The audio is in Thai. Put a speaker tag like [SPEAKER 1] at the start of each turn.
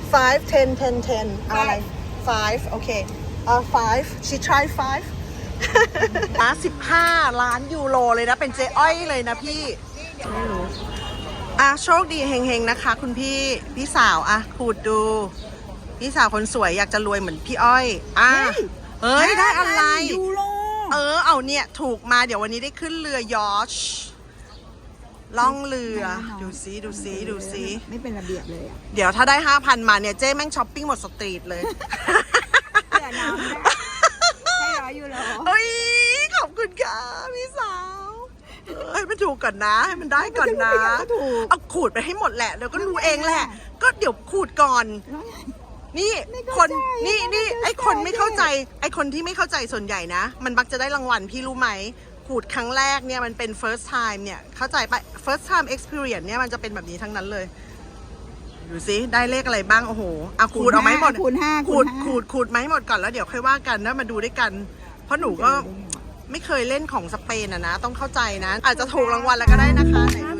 [SPEAKER 1] 5 10 10 10เอาอะไร 5 โอเค5 she try 5 15 ล้านยูโรเลยนะ เป็นเจ๊อ้อยเลยนะพี่ไม่รู้โชคดีเฮงๆนะคะคุณพี่สาวขูดดูพี่สาวคนสวยอยากจะรวยเหมือนพี่อ้อยเฮ้ยได้อะไร
[SPEAKER 2] ยูโร
[SPEAKER 1] เอาเนี่ยถูกมาเดี๋ยววันนี้ได้ขึ้นเรือยอชต์ล่องเรือดูซิ
[SPEAKER 2] ไม่เป็นระเบียบเลย
[SPEAKER 1] เดี๋ยวถ้าได้ 5,000 มาเนี่ยเจ๊แม่งช้อปปิ้งหมดสตรีทเลย
[SPEAKER 2] เสียน้ำได้100 ยูโร
[SPEAKER 1] เฮ้ยขอบคุณค่ะพี่สาวให้มันถูกก่อนนะให้มันได้ก่อนนะเอาขูดไปให้หมดแหละเดี๋ยวก็รู้เองแหละก็เดี๋ยวขูดก่อนนี่คนนี่ไอคนไม่เข้าใจไอคนที่ไม่เข้าใจส่วนใหญ่นะมันมักจะได้รางวัลพี่รู้ไหมขูดครั้งแรกเนี่ยมันเป็น first time เนี่ยเข้าใจปะ first time experience เนี่ยมันจะเป็นแบบนี้ทั้งนั้นเลยดูสิได้เลขอะไรบ้างโอ้โหขูดเอาไหมหมดขูดไหมหมดก่อนแล้วเดี๋ยวค่อยว่ากันนะมาดูด้วยกันเพราะหนูก็ไม่เคยเล่นของสเปนนะต้องเข้าใจนะอาจจะถูกรางวัลแล้วก็ได้นะคะ